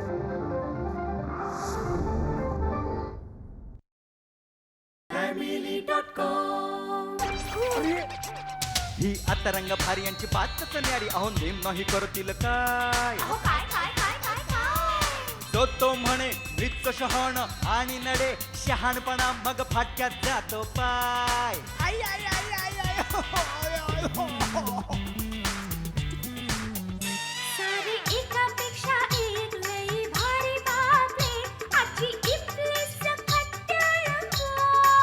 ही आता रंग भारी यांची बातच न्यारी. अहो नेम नाही करतील काय. तो म्हणे मृत शहाण आणि नडे शहाणपणा मग फाटक्यात जातो पाय. आई आई आई आई आई हो, आय, आय, हो, हो. सारी एकापेक्षा एक लई भारी बातमी आजची इथली सकट टेलिफोन.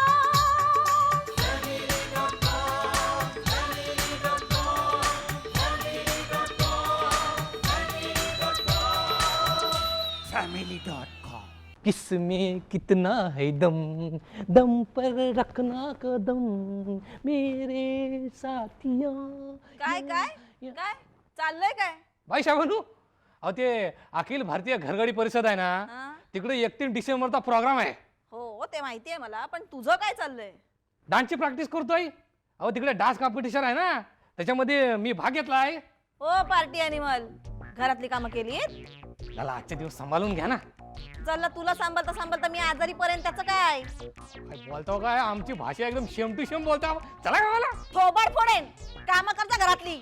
family.com. किसमें कितना है दम, दम पर रखना कदम मेरे साथिया. काय काय काय चाललंय काय? भाई शाबानू, अहो ते अखिल भारतीय घरगडी परिषद आहे ना, हा? तिकडे 31 डिसेंबरचा प्रोग्राम आहे. हो ते माहितीये मला, पण तुझं काय चाललंय? डान्सची प्रॅक्टिस करतोय. अहो तिकडे डान्स कॉम्पिटिशन आहे ना, त्याच्यामध्ये मी भाग घेतलाय. हो पार्टी अॅनिमल, घरातली कामं केलीत? त्याला आजचे दिवस सांभाळून घ्या ना. चल तुला सांभाळता सांभाळता मी आजारी पर्यंत त्याचं काय? काय बोलतो काय, आमची भाषा एकदम शेम टू शेम बोलता. चला गावाला. थोबाड फोडेन. कामं करता घरातली.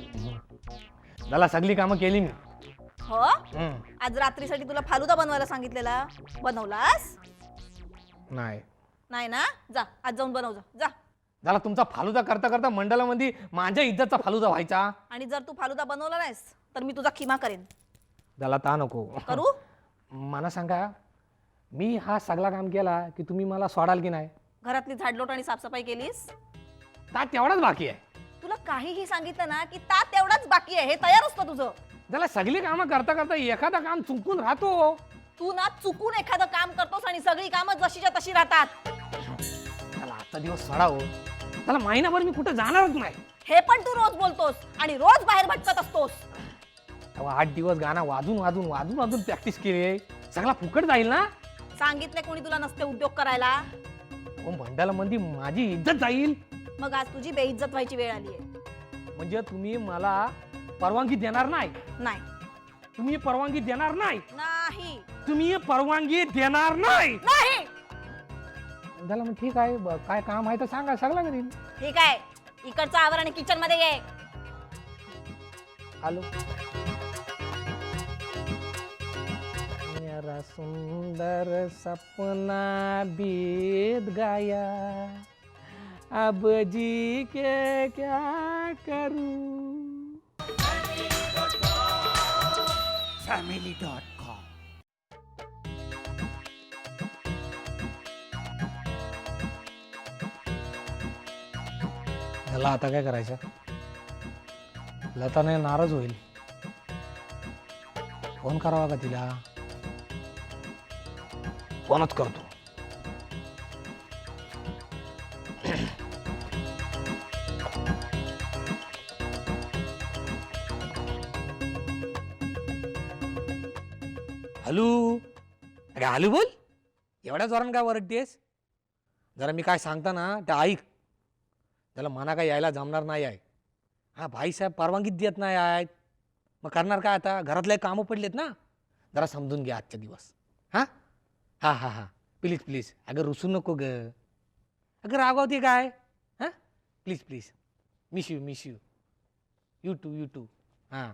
त्याला सगळी कामं केली मी. हो आज रात्रीसाठी तुला फालुदा बनवायला सांगितलेला, बनवलास? नाही नाही ना, जा आज जाऊन बनव जा जा. त्याला तुमचा फालुदा करता करता मंडळामध्ये माझ्या इज्जतचा फालुदा व्हायचा. आणि जर तू फालुदा बनवला नाहीस तर मी तुझा खिमा करेन. त्याला ता नको करू? मला सांगा, मी हा सगळा काम केला की तुम्ही मला सोडाल की नाही? घरातली झाडलोट आणि साफसफाई केलीस? ता तेवढाच बाकी आहे. तुला काहीही सांगितलं ना की ता तेवढाच बाकी आहे, हे तयार असतं तुझं. त्याला सगळी कामं करता करता एखादा काम चुकून राहतो. तू ना चुकून एखादं काम करतोस आणि सगळी कामं जशीच्या तशी राहतात. त्याला आजचा दिवस सोडावं. त्याला महिनाभर मी कुठं जाणारच नाही. हे पण तू रोज बोलतोस आणि रोज बाहेर भटकत असतोस. तेव्हा 8 दिवस गाणं वाजून वाजून वाजून वाजून प्रॅक्टिस केली. सगळा फुकट जाईल ना. सांगितले कोणी तुला नसते उद्योग करायला? मंडळामध्ये माझी इज्जत जाईल. मग आज तुझी बेइज्जत व्हायची वेळ आली आहे. म्हणजे तुम्ही मला परवानगी देणार नाही? नाही तुम्ही परवानगी देणार नाही? नाही तुम्ही परवानगी देणार नाही? नाही. झालं मग ठीक आहे. काय काम आहे तर सांगा, सगळं करीन. ठीक आहे, इकडचा आवर आणि किचन मध्ये ये. आलो. मेरा सुंदर सपना बीत गया, अब जी के क्या करूं. family.com. त्याला आता काय करायचं? लताने नाराज होईल. फोन करावा का तिला? फोनच करतो. हॅलो. अरे हॅलो बोल. एवढ्या जोरानं काय वरडतेस? जरा मी काय सांगता ना ते ऐक. त्याला मना काय यायला जमणार नाही आहे. हा भाईसाहेब परवानगी देत नाही आहेत. मग करणार काय आता? घरातले कामं पडलेत ना. जरा समजून घ्या आजचे दिवस. हां हां हां हां प्लीज प्लीज. अगं रुसू नको ग. अगं रागवते काय? हां please please. Miss you miss you. You too. हां.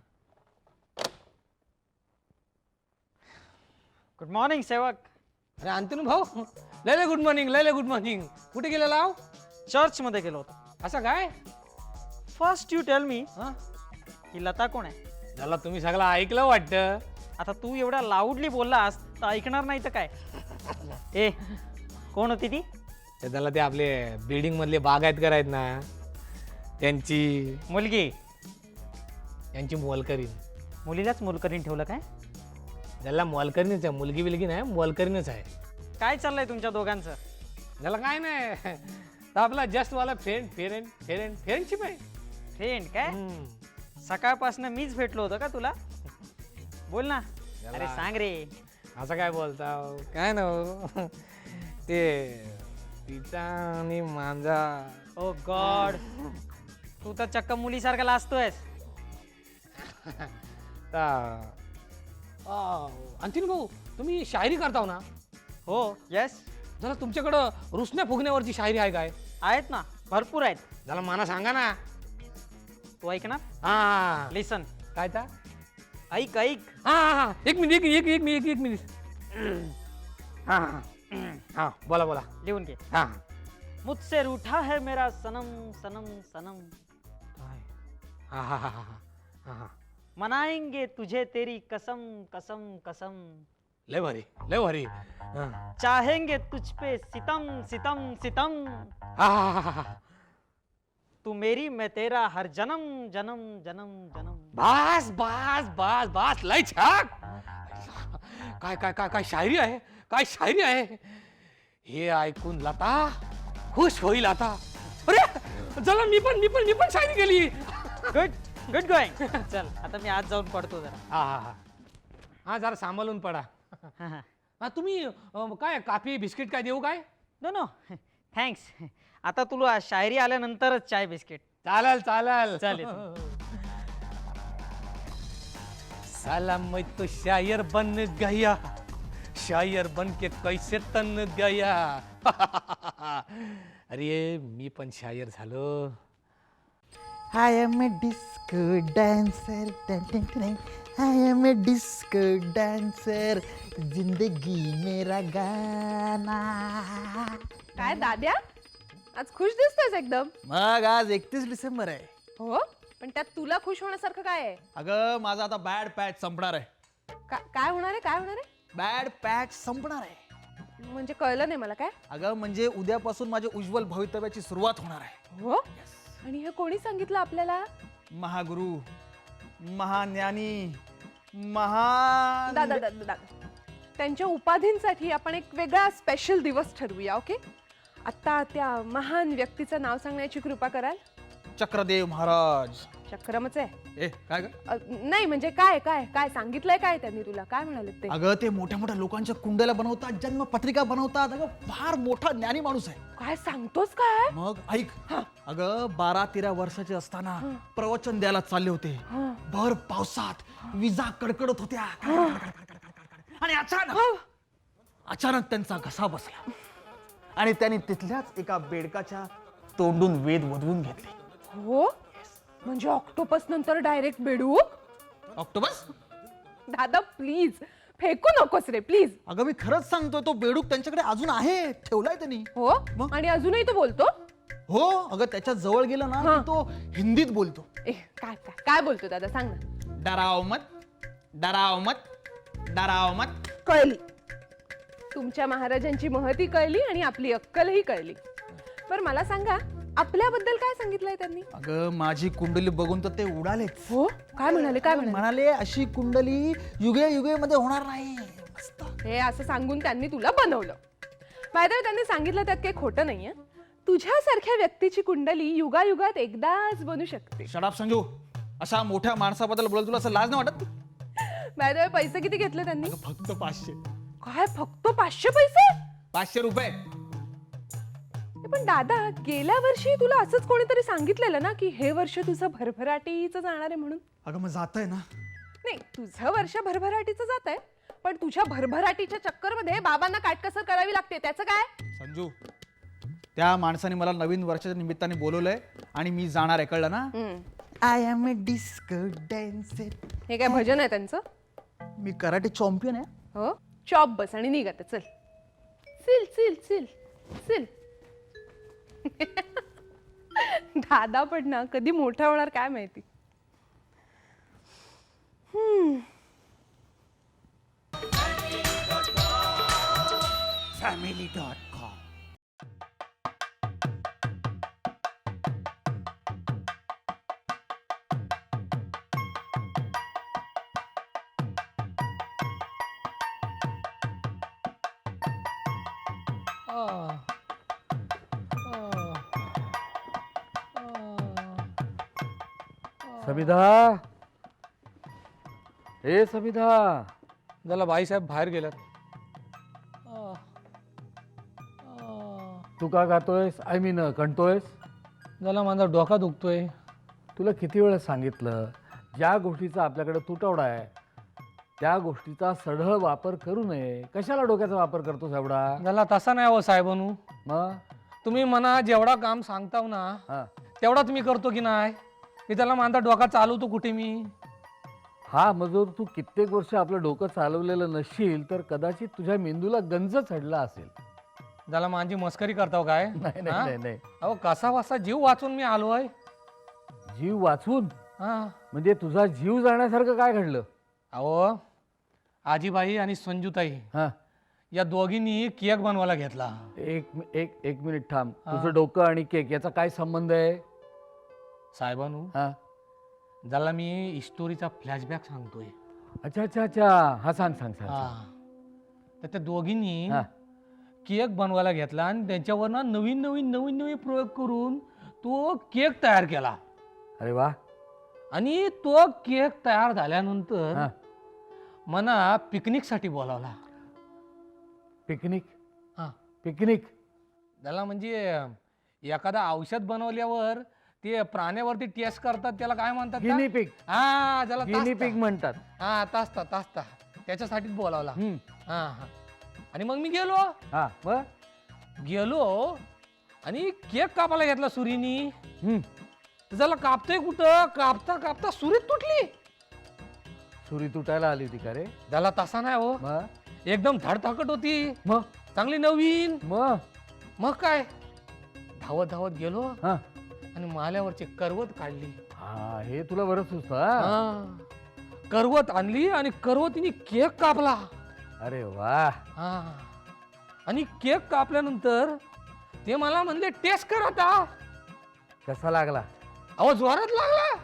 गुड मॉर्निंग सेवक. अरे अंतनू भाऊ, लय गुड मॉर्निंग. लय गुड मॉर्निंग. कुठे गेलेला आहो? चर्च मध्ये गेलो होतो. असं काय? फर्स्ट यू टेल मी, हां ही लता कोण आहे? त्याला तुम्ही सगळं ऐकलं वाटतं. आता तू एवढ्या लाऊडली बोललास तर ऐकणार नाही तर काय. ए कोण होती ती? त्याला ते आपले बिल्डिंग मधले बागायतकर आहेत ना, त्यांची मुलगी. मोलकरीण. मुलीलाच मोलकरीन ठेवलं काय? त्याला मोलकरीणच आहे. मुलगी बिलगी नाही, मोलकरीणच आहे. काय चाललंय तुमच्या दोघांचं? त्याला काय नाही. तर आपला जस्ट वाला फ्रेंडशिप आहे. फ्रेंड काय? सकाळपासून मीच भेटलो होतो का तुला? बोल ना. अरे सांग रे. असं काय बोलता? काय ना ते तिचा आणि माझा. ओ गॉड, तू तर चक्क मुलीसारखा लाजतोयस. अंतिम भाऊ तुम्ही शायरी करताव ना? हो येस जरा तुमच्याकडं रुसण्या फुगण्यावरची शायरी आहे काय? आहेत ना, भरपूर आहेत. जरा मला सांगा ना. तू ऐक ना, हा लिसन. काय ता? ऐक ऐक. हा हा हा एक मिनिट एक मिनिट. हा हा हा बोला बोला. लिहून घे. हा मुझसे रूठा है मेरा सनम सनम सनम, हा हा हा हा हा हा मनाएंगे तुझे तेरी कसम कसम कसम, लय भारी लय भारी. हा चाहेंगे तुझ पे सितम सितम सितम, हा हा हा हा तू मेरी मैं तेरा हर जन्म जन्म जन्म जन्म. बस बस बस बस लय छान. काय काय काय काय शायरी आहे, काय शायरी आहे. हे ऐकून लता खुश होईल आता. अरे चला मी पण शायरी केली. Good good going. चल आता मी आज जाऊन पडतो जरा. हा हा हा हा जरा सांभाळून पडा. हा, हा. हा तुम्ही काय काफी बिस्किट काय देऊ काय? No no thanks. आता तुला शायरी आल्यानंतरच चाय बिस्किट. चालेल चालेल चालेल. साला मैं तो शायर बन गया, शायर बन के कैसे तन गया. अरे मी पण शायर झालो. I am a disco dancer, dun, dun, dun. I am a disco dancer, जिंदगी मेरा गाना. काय दाद्या, आज खुश दिसतोयस एकदम. मग आज 31 डिसेंबर आहे. हो, पण त्यात तुला खुश होण्यासारखं काय आहे? अगं माझा आता बॅड पॅच संपणार आहे. काय होणार आहे, काय होणार आहे? बॅड पॅच संपणार आहे. म्हणजे कळलं नाही मला काय. अगं म्हणजे उद्यापासून माझ्या उज्ज्वल भवितव्याची सुरुवात होणार आहे. हो, आणि हे कोणी सांगितलं आपल्याला? महागुरु, महाज्ञानी, महान दादा दादा दादा, त्यांच्या उपाधींसाठी आपण एक वेगळा स्पेशल दिवस ठरवूया. ओके, आता त्या महान व्यक्तीचं नाव सांगण्याची कृपा कराल? चक्रदेव महाराज. चक्रमच आहे. ए काय ग? नाही म्हणजे काय काय काय सांगितलंय काय त्यांनी तुला, काय म्हणाले ते? अगं ते मोठ्या मोठ्या लोकांच्या कुंडल्या बनवतात, जन्मपत्रिका बनवतात. अगं फार मोठा ज्ञानी माणूस आहे. काय सांगतोस काय? मग ऐक, अगं 12-13 वर्षाचे असताना प्रवचन द्यायला चालले होते. भर पावसात विजा कडकडत होत्या आणि अचानक त्यांचा घसा बसला आणि त्यांनी तिथल्याच एका बेडकाच्या तोंडून वेद वधवून घेतले. हो, म्हणजे ऑक्टोपस नंतर डायरेक्ट बेडूक? ऑक्टोबस? दादा प्लीज फेकू नकोस रे प्लीज. अगं मी खरंच सांगतोय, तो बेडूक त्यांच्याकडे अजून आहे, ठेवलाय त्यांनी. हो, मग? आणि अजूनही तो बोलतो? हो अगं त्याच्या जवळ गेलं ना हा. की तो हिंदीत बोलतो. काय काय काय बोलतो दादा, सांग ना. डराव मत, डराव मत, डराव मत. कळली, तुमच्या महाराजांची महती कळली आणि आपली अक्कलही कळली. बरं मला सांगा, आपल्याबद्दल काय सांगितलंय त्यांनी? अगं माझी कुंडली बघून तर ते उडालेच. हो, काय म्हणाले, काय म्हणाले? म्हणाले अशी कुंडली युगे युगे मध्ये होणार नाही. मस्त. हे असं सांगून त्यांनी तुला बनवलं. फायदा त्यांनी सांगितलं त्यात काही खोटं नाहीये. तुझ्यासारख्या व्यक्तीची कुंडली युगायुगात एकदाच बनू शकते. शडाप संजू, अशा मोठ्या माणसाबद्दल बोलत तुला असं लाज नाही वाटत? फायदा पैसे किती घेतले त्यांनी? अगं फक्त 500. काय फक्त 500 पैसे? 500 रुपये. पण दादा, गेल्या वर्षी तुला असंच कोणीतरी सांगितलेलं ना की हे वर्ष तुझं भरभराटीचं जाणार आहे म्हणून. अगं मग जात आहे ना. नाही, तुझं वर्ष भरभराटीचं जात आहे, पण तुझ्या भरभराटीच्या चक्करमध्ये बाबांना काटकसर करावी लागते, त्याचं काय? संजू, त्या माणसाने मला नवीन वर्षाच्या निमित्ताने बोलवलंय आणि मी जाणार आहे, कळलं ना? I am a disco dancer. हे काय भजन आहे त्यांचं? मी कराटे चॅम्पियन आहे. हो, चॉप बस आणि निघ आता, चल. सिल सिल सिल सिल. दादा पण ना कधी मोठा होणार काय माहिती. family.com. सबिधा, हे सबिधा. जरा बाईसाहेब बाहेर गेल्यात. तू का गातोयस, आय मीन कणतोयस? जरा माझा डोका दुखतोय. तुला किती वेळा सांगितलं, ज्या गोष्टीचा आपल्याकडे तुटवडा आहे त्या गोष्टीचा सढळ वापर करू नये. कशाला डोक्याचा वापर करतोस एवढा? त्याला तसा नाही हो साहेबानू. मग तुम्ही म्हणा जेवढा काम सांगताव ना हा तेवढाच मी करतो की नाही. मी त्याला माझा डोका चालवतो कुठे मी. हा मजूर, तू कित्येक वर्ष आपलं डोकं चालवलेलं नसशील तर कदाचित तुझ्या मेंदूला गंज चढला असेल. त्याला माझी मस्करी करताव काय? नाही हा? नाही नाही नाही. अहो कसा वासा जीव वाचून मी आलोय. जीव वाचून हा म्हणजे तुझा जीव जाण्यासारखं काय घडलं? अहो आजीबाई आणि संजूताई हा या दोघींनी केक बनवायला घेतला. एक मिनिट थांब. तुझं डोकं आणि केक याचा काय संबंध आहे? साहेबानू हा ज्याला मी हिस्टोरीचा फ्लॅशबॅक सांगतोय. अच्छा अच्छा अच्छा. हा सांग सांग सांग. हा तर त्या दोघींनी हा केक बनवायला घेतला आणि त्याच्यावर ना नवीन नवीन नवीन नवीन प्रयोग करून तो केक तयार केला. अरे वा. आणि तो केक तयार झाल्यानंतर हा मला पिकनिकसाठी बोलावला. पिकनिक? हा पिकनिक त्याला म्हणजे एखादा औषध बनवल्यावर ते प्राण्यावरती टेस्ट करतात त्याला काय म्हणतात का? Guinea pig. हा त्याला गिनी पिक म्हणतात. हा तास्ता त्याच्यासाठीच बोलावला. हम्म. हा हा आणि मग मी गेलो मग आणि केक कापायला घेतला सुरीनी. हम्म. तर त्याला कापतोय कुठं कापता कापता सुरीत तुटली. सुरी तुटायला आली होती का रे? त्याला तसा नाही हो, मग एकदम धडधाकट होती मग चांगली नवीन. मग मग काय धावत धावत गेलो हा आणि माल्यावरची करवत काढली. हा हे तुला बरं सुचतं. हा करवत आणली आणि करवतीने केक कापला. अरे वा. हा आणि केक कापल्यानंतर ते मला म्हणले टेस्ट कर आता. कसा लागला? अहो जोरात लागला.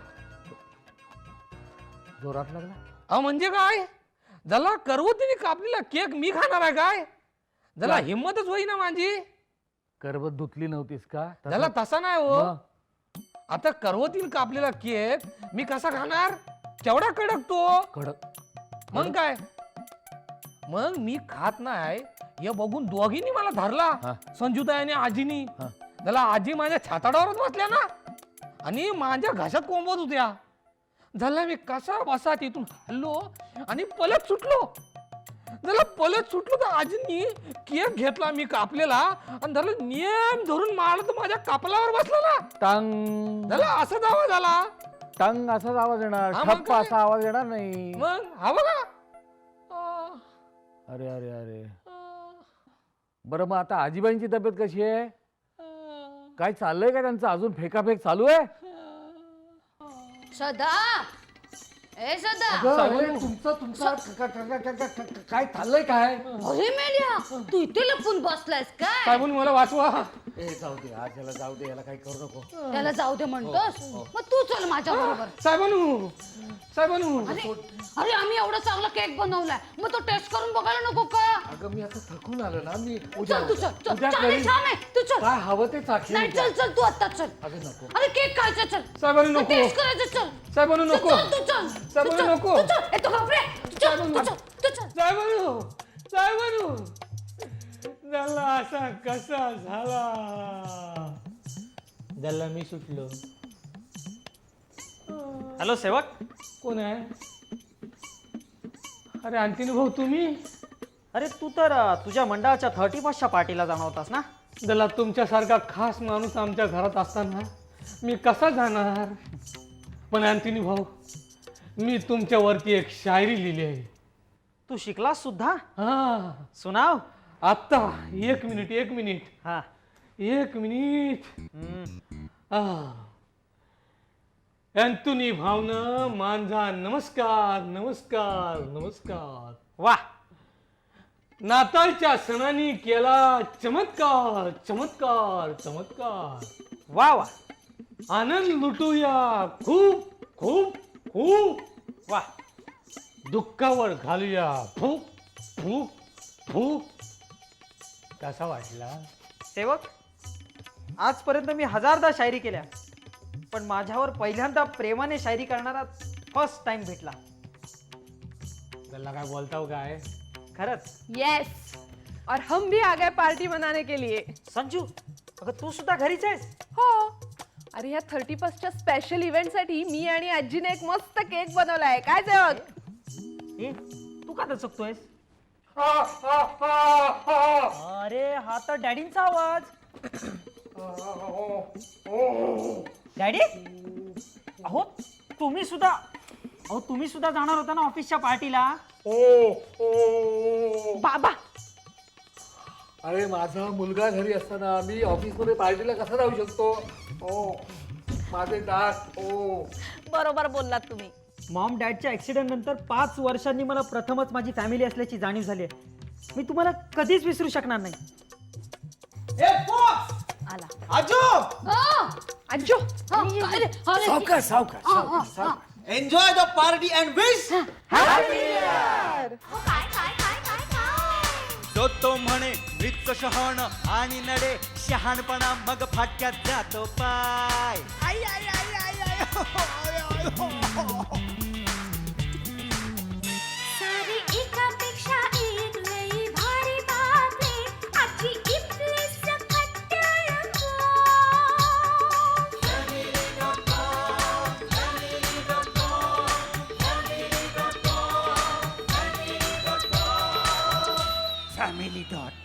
जोरात लागला? अहो म्हणजे काय ज्याला करवतीने कापलेला केक मी खाणार आहे काय? ज्याला काय? हिंमतच होईना माझी. करवत धुतली नव्हतीस का? तसं- त्याला तसा नाही हो. मग? आता करवतीने कापलेला केक मी कसा खाणार? केवढा कडक तो. कडक. मग काय मग मी खात नाही हे बघून दोघींनी मला धरला. हा. संजूताई आणि आजीनी. हा. त्याला आजी माझ्या छाताडावरच बसल्या ना आणि माझ्या घशात कोंबत होत्या. झाला मी कसा बसा तिथून हल्लो आणि पलट सुटलो. त्याला पलट सुटलो तर आजींनी केक घेतला मी कापलेला आणि त्याला नियम धरून मारलं तर माझ्या कापलावर बसला ना. टांग त्याला असाच आवाज आला. टांग असाच आवाज येणार. हा, मग ठप्प काय? असा आवाज येणार नाही. मग हा बघा. अरे अरे अरे. बरं मग आता आजीबाईंची तब्येत कशी आहे? काय चाललंय का त्यांचं? अजून फेकाफेक चालू आहे? श्रद्धा, ए श्रद्धा. काय चाललंय काय? अरे मेल्या, तू इथे लपून बसलायस काय? साहेबून मला वाचवा. जाऊ दे आज याला जाऊ दे. याला काही करू नको. त्याला जाऊ दे म्हणतोस? मग तू चल माझ्या बरोबर. साहेबानू अरे अरे आम्ही एवढा चांगला केक बनवलाय, मग तो टेस्ट करून बघायला नको का? अगं मी आता थकून आलो ना. मी चल तू चल चल. उद्या छान आहे, करीन. छान आहे, तू चल. काय हवं ते चाखेन. नाही चल चल तू आता चल. अगं नको. अरे केक खायचा चल. साहेबानू नको. टेस्ट करायचं चल. साहेबानू तू नको. चल, तू चल. साहेबानू तू चल, नको. तू चल. ए, तू घाबरे. तू चल, तू चल, तू चल. साहेबानू झाला असा कसा झाला. झाला मी सुटलो. हॅलो सेवक. कोण आहे? अरे अंतिनी भाऊ तुम्ही? अरे तू तर तुझ्या मंडळाच्या 31च्या पार्टीला जाणार होतास ना. त्याला तुमच्यासारखा खास माणूस आमच्या घरात असताना मी कसा जाणार? पण अंतिनी भाऊ मी तुमच्यावरती एक शायरी लिहिली आहे. तू शिकलास सुद्धा? हा सुनाव. आत्ता एक मिनिट हा. अंतुनी भावना माझा नमस्कार नमस्कार नमस्कार. वा. नाताळच्या सणानी केला चमत्कार चमत्कार चमत्कार. वा वा आनंद लुटूया खूप खूप खूप. वा. दुःखावर घालूया फूक फूक फूक. कसा वाटला? सेवक, आजपर्यंत मी हजारदा शायरी केल्या, पण माझ्यावर पहिल्यांदा प्रेमाने शायरी करणारा फर्स्ट टाइम भेटला. त्याला काय बोलताव काय? खरंच. यस, और हम भी आ गए पार्टी मनाने के लिए. संजू, अगं तू सुद्धा घरीच आहेस? हो. अरे ह्या 31च्या स्पेशल इव्हेंटसाठी मी आणि आजीने एक मस्त केक बनवलाय. काय सेवक? का दचकतोयस? अरे हा तर डॅडींचा आवाज. डॅडी, अहो तुम्ही सुद्धा जाणार होता ना ऑफिसच्या पार्टीला. बाबा अरे माझा मुलगा घरी असताना मी ऑफिसमध्ये पार्टीला कसा जाऊ शकतो? माझे दात. बरोबर बोललात तुम्ही. मॉम डॅडच्या ऍक्सिडेंट नंतर 5 वर्षांनी मला प्रथमच माझी फॅमिली असल्याची जाणीव झाली आहे. मी तुम्हाला कधीच विसरू शकणार नाही. आला. आजो enjoy the party and wish. तो म्हणे मृत शहाण आणि नडे शहाणपणा मग फाटक्यात जातो पाय. आई, आई, आई, आई, आई, हो, आय, आय, हो, हो. सारी एकापेक्षा एक लई भारी बातमी आजची इथली सकट रंगो. Family.com